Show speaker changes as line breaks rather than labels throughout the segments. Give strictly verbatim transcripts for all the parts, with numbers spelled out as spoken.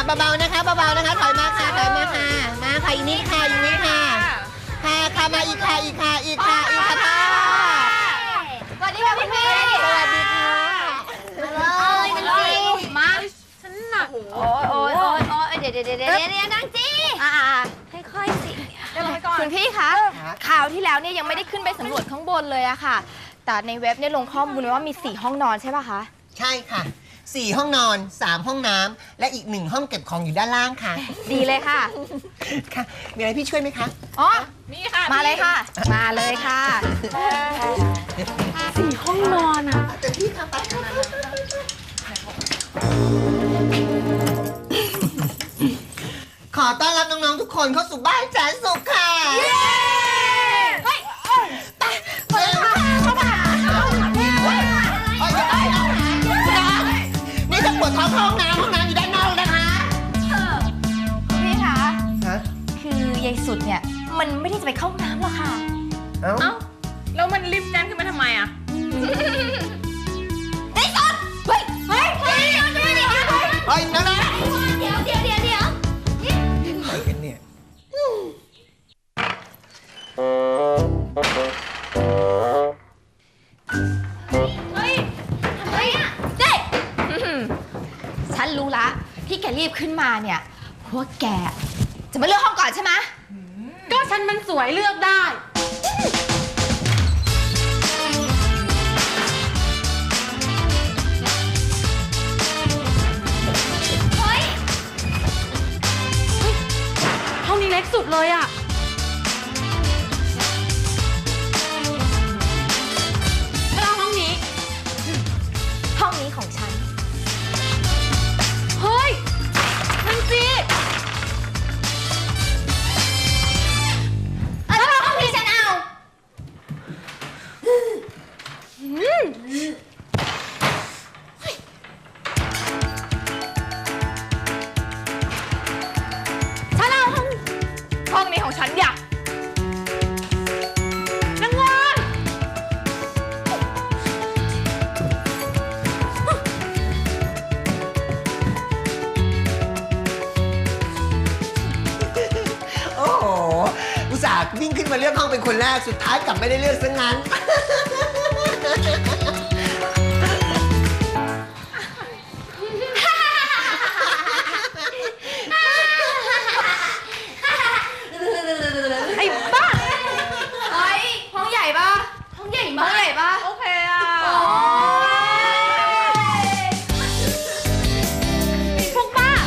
เบาๆนะคะเบาๆนะคะถอยมาค่ะถอยมาค่ะมาค่ะอีนี่ค่ะอีนี่ค่ะค่ะค่ะมาอีกค่ะอีกค่ะอีกค่ะอีกค่ะพ่อ
สวัสดีค่ะคุณพี่
สวัสดีค่ะ
มาเลยนางจีมาฉันหนักโอ้ยโอ้ยโอ้ยโอ้ยเดี๋ยวเดี๋ยวเดี๋ยวเดี๋ยวเดี๋ยวนางจีอ่าค่อยๆสิคุณพี่คะคราวที่แล้วเนี่ยยังไม่ได้ขึ้นไปสำรวจข้างบนเลยอะค่ะแต่ในเว็บเนี่ยลงข้อมูลไว้ว่ามีสี่ห้องนอนใช่ป่ะคะ
ใช่ค่ะสี่ห้องนอนสามห้องน้ำและอีกหนึ่งห้องเก็บของอยู่ด้านล่างค่ะ
ดีเลยค่ะ
ค่ะมีอะไรพี่ช่วยไหมคะ
อ๋อนี่ค่ะมาเลยค่ะมาเลยค่ะสี่ห้องนอนอะ
แต่พี่ค่ะไปขอต้อนรับน้องๆทุกคนเข้าสู่บ้านแสนสุขค่ะเฮ้ยไปไปเข้ามานี่จะปวดท้องห้องน้ำห้องน้ำอยู่ด้านนอกนะคะ
คุณพี่คะคือยายสุดเนี่ยมันไม่ได้จะไปเข้าน้ำหรอกค่ะ
เอ้า
แล้วมันรีบแจ้งขึ้นมาทำไมอ่ะ
ไอ้สุดเฮ้ยเฮ้ยเฮ้ยเดี๋ยวเดี๋ยวเดี๋ยว
เฮ้ยนั่นแหละ
เดี๋ยวเดี๋ยวเดี๋ยวเดี๋ยว
อะไรกันเนี่ย
เฮ้ยทำไมอ่ะเด็กฉันรู้ละที่แกรีบขึ้นมาเนี่ยเพราะว่าแกจะมาเลือกห้องก่อนใช่ไหม
ก็ฉันมันสวยเลือกได้
เฮ้ย
ห้องนี้เล็กสุดเลยอ่ะแล้วห้องนี้
ห้องนี้ของฉัน
เฮ้ยนางจี
แล้วห้องนี้ฉันเอาฉันเอาห้องห้องนี้ของฉันอยากนางงอน
โอ้โหอุตส่าห์วิ่งขึ้นมาเลือกห้องเป็นคนแรกสุดท้ายกลับไม่ได้เลือกซะงั้น
ไอ้บ้าเฮ้ยห้องใหญ่ปะห้องใหญ่มากใหญ่ปะ
โอเคอ่ะ
พวกป้า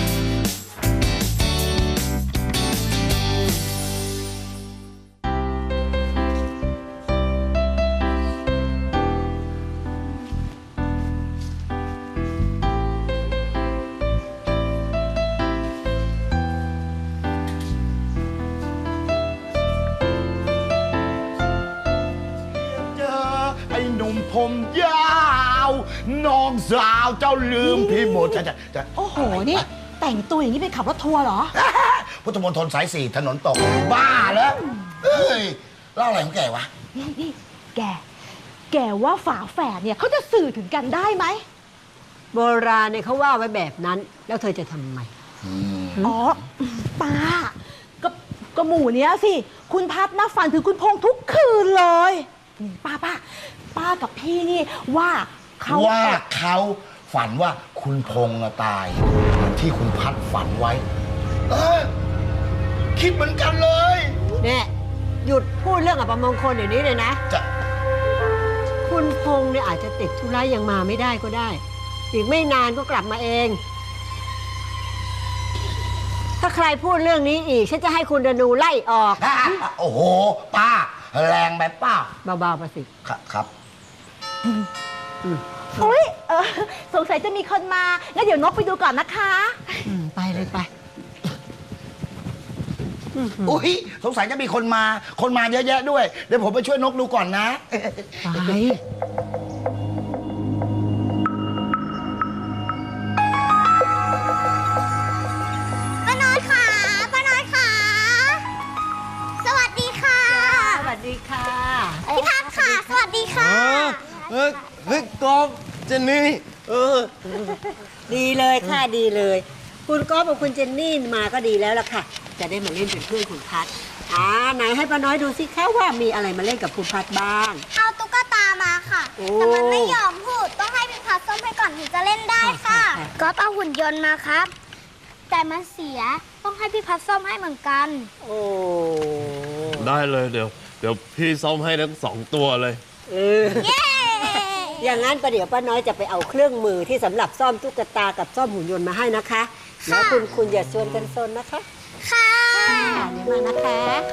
ไอ้หนุ่มผมยาวน้องสาวเจ้าลืมพี่หมดจะจะจะ
โอ้โห นี่แต่งตัวอย่างนี้เป็นขับรถทัวร์เหรอ
พุทธมณฑลสายสี่ถนนตกบ้าแล้วเอ้ยเล่าอะไรของแกวะ
นี่นี่แก แกว่าฝาแฝดเนี่ยเขาจะสื่อถึงกันได้ไหม
โบราณเนี่ยเขาว่าไว้แบบนั้น แล้วเธอจะทำไม
อ๋อ ป้า ก็ก็หมู่เนี้ยสิ คุณพัดน่าฝันถึงคุณพงษ์ทุกคืนเลยนี่ป้าป้า ป้ากับพี่นี่ว่าเขา
ว่าเขาฝันว่าคุณพงษ์ตายเหมือนที่คุณพัดฝันไว้เออคิดเหมือนกันเลย
เนี่ยหยุดพูดเรื่องอัปมงคลเดี๋ยวนี้เลยนะ
จะ
คุณพงษ์เนี่ยอาจจะติดธุระยังมาไม่ได้ก็ได้ อีกไม่นานก็กลับมาเอง ถ้าใครพูดเรื่องนี้อีกฉันจะให้คุณดนูไล่ออก
โอ้โหป้าแรงไปป้า
เบาๆประสิ
ครับครับ
อุ้ยเออสงสัยจะมีคนมางั้นเดี๋ยวนกไปดูก่อนนะคะ
อืมไปเลยไป
อุ้ยสงสัยจะมีคนมา คนมาเยอะแยะด้วย เดี๋ยวผมไปช่วยนกดูก่อนนะ
ไป
ป้าน้อยค่ะป้าน้อยค่ะสวัสดีค่ะ
สวัสดีค่ะ
พี่พัดค่ะ สวัสดีค่ะ
เฮ้ยเฮ้ยกอบเจนนี่เออ
ดีเลยค่ะดีเลย พคุณก๊อฟกับคุณเจนนี่มาก็ดีแล้วล่ะค่ะ จะได้มาเล่นเป็นเพื่อนคุณพัดอ่าไหนให้ป้าน้อยดูสิคะว่ามีอะไรมาเล่นกับคุณพัดบ้าง
เอาตุ๊กตามาค่ะ
โอ้
แต่มันไม่ยอมพูด ต้องให้พี่พัดส้มให้ก่อนถึงจะเล่นได้ค่ะ
ค่ะค่ะ
ก็เอาหุ่นยนต์มาครับ แต่มันเสีย ต้องให้พี่พัดส้มให้เหมือนกัน
โอ้
ได้เลยเดี๋ยว เดี๋ยวพี่ซ่อมให้ทั้งสองตัวเลย
เอออย่างนั้นประเดี๋ยวป้าน้อยจะไปเอาเครื่องมือที่สำหรับซ่อมตุ๊กตากับซ่อมหุ่นยนต์มาให้นะคะแล้วคุณคุณอย่าชวนกันซนนะคะ
ค่ะ
เดี๋ยวมานะคะ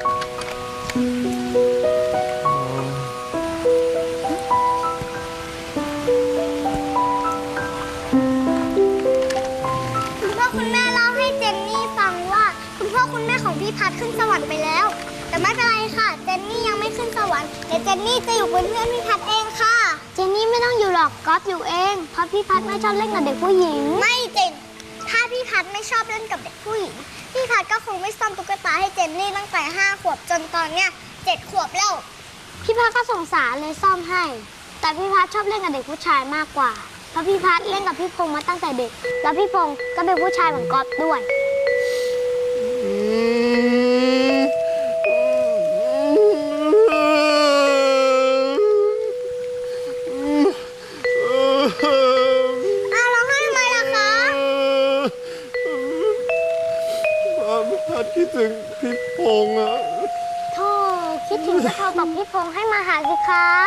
คุณพ่อคุณแม่เล่าให้เจนนี่ฟังว่า คุณพ่อคุณแม่ของพี่พัดขึ้นสวรรค์ไปแล้ว แต่ไม่เป็นไรค่ะ เจนนี่ยังไม่ขึ้นสวรรค์เดี๋ยวเจนนี่จะอยู่เป็นเพื่อนพี่พัดเองค่ะ เจนนี่ไม่ต้องอยู่หรอกก๊อฟอยู่เองเพราะพี่พัดไม่ชอบเล่นกับเด็กผู้หญิงไม่จริงถ้าพี่พัดไม่ชอบเล่นกับเด็กผู้หญิงพี่พัดก็คงไม่ซ่อมตุ๊กตาให้เจนนี่ตั้งแต่ห้าขวบจนตอนเนี้ยเจ็ดขวบแล้วพี่พัดก็สงสารเลยซ่อมให้ แต่พี่พัดชอบเล่นกับเด็กผู้ชายมากกว่าเพราะพี่พัดเล่นกับพี่พงษ์มาตั้งแต่เด็ก แล้วพี่พงษ์ก็เป็นผู้ชายเหมือนก๊อฟด้วย อ้าวร้องไห้ทำไมล่ะคะ
พัดคิดถึงพี่พงษ์อะ
โธ่คิดถึงก็โทรบอกพี่พงษ์ให้มาหาสิครับ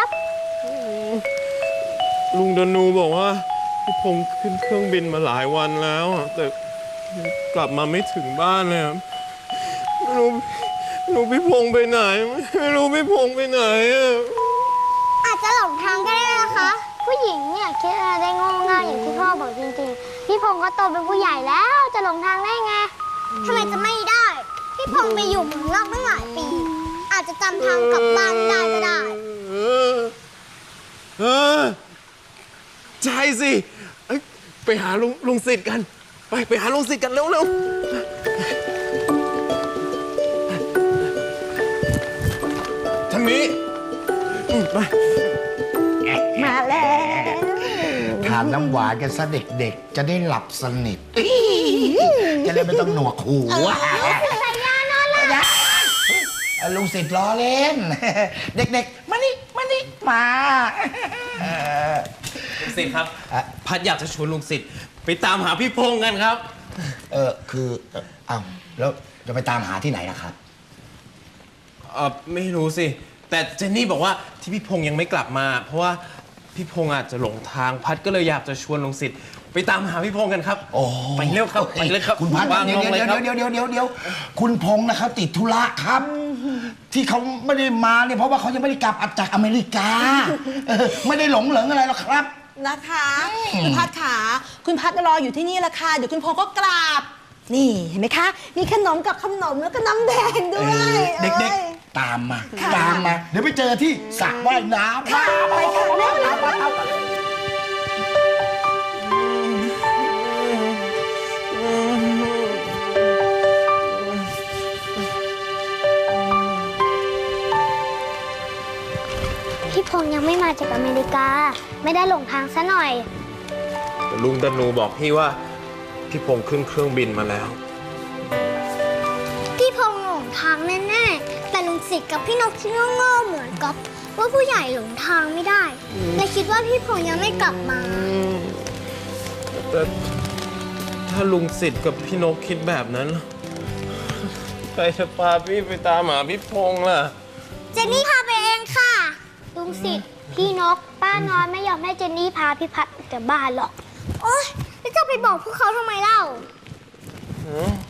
ลุงดนูบอกว่าพี่พงษ์ขึ้นเครื่องบินมาหลายวันแล้วอะแต่กลับมาไม่ถึงบ้านเลยอะไม่รู้ไม่รู้พี่พงษ์ไปไหน ไม่รู้พี่พงษ์ไปไหนอะ
อาจจะหลงทางก็ได้นะคะ ผู้หญิงเนี่ยคิดอะไรได้โง่ง่ายอย่างที่พ่อบอกจริงๆ พี่พงษ์ก็โตเป็นผู้ใหญ่แล้วจะหลงทางได้ไงทำไมจะไม่ได้ พี่พงษ์ไปอยู่เมืองนอกตั้งหลายปี อาจจะจำทางกลับบ้านได้ก็ได้
เออเออใช่สิเอ้ยไปหาลุงลุงสิทธิ์กัน ไปไปหาลุงสิทธิ์กันเร็วเร็วทางนี้อืมไป
มาแล้ว
ทานน้ำหวานกันซะเด็กๆ จะได้หลับสนิทจะได้ไม่ต้องหนวกหูลุงสิทธิ์ล้อเล่น เด็กๆ มานี่มานี่มา
ลุงสิทธิ์ครับ
อ่ะ
พัดอยากจะชวนลุงสิทธิ์ไปตามหาพี่พงษ์กันครับ
เออคือเอ่ออ้าวแล้วจะไปตามหาที่ไหนนะครับ
เออไม่รู้สิ แต่เจนนี่บอกว่าที่พี่พงษ์ยังไม่กลับมา เพราะว่าพี่พงษ์อาจจะหลงทาง พัดก็เลยอยากจะชวนลุงสิทธิ์ไปตามหาพี่พงษ์กันครับ
โอ้
ไปเร็วครับไปเลยครับ
คุณพัด
วาง
เดี๋ย
ล
ว
งเลย
เดี๋ยว
ครับ
เดี๋ยวเดี๋ยวเดี๋ยวเดี๋ยวคุณพงษ์นะครับติดธุระครับ ที่เขาไม่ได้มาเนี่ยเพราะว่าเขายังไม่ได้กลับจากอเมริกาเออไม่ได้หลงเหลิงอะไรหรอกครับ
นะคะคุณพัดขาคุณพัดรออยู่ที่นี่ละค่ะเดี๋ยวคุณพงษ์ก็กราบ นี่เห็นไหมคะ มีขนมกับขนมแล้วก็น้ำแดงด้วย
เด็ก
อ้ย
ๆ ตามมา ตามมา เดี๋ยวไปเจอที่สระว่ายน้ำ
ค่ะไปค่ะเร็วเร็วเร็ว
พี่พงษ์ยังไม่มาจากอเมริกา ไม่ได้หลงทางซะหน่อย
แต่ลุงดนูบอกพี่ว่าพี่พงษ์ขึ้นเครื่องบินมาแล้ว
พี่พงษ์หลงทางแน่ๆ แต่ลุงสิทธิ์กับพี่นกที่โง่ๆเหมือนก๊อฟว่าผู้ใหญ่หลงทางไม่ได้เลยคิดว่าพี่พงษ์ยังไม่กลับมา
แต่ถ้าลุงสิทธิ์กับพี่นกคิดแบบนั้น ใครจะพาพี่ไปตามหาพี่พงษ์ล่ะ
เจนนี่พาไปเองค่ะ ลุงสิทธิ์พี่นก ป้าน้อยไม่ยอมให้เจนนี่พาพี่พัดออกจากบ้านหรอก โอ๊ยแล้วจะไปบอกพวกเขาทำไมเล่า
อืม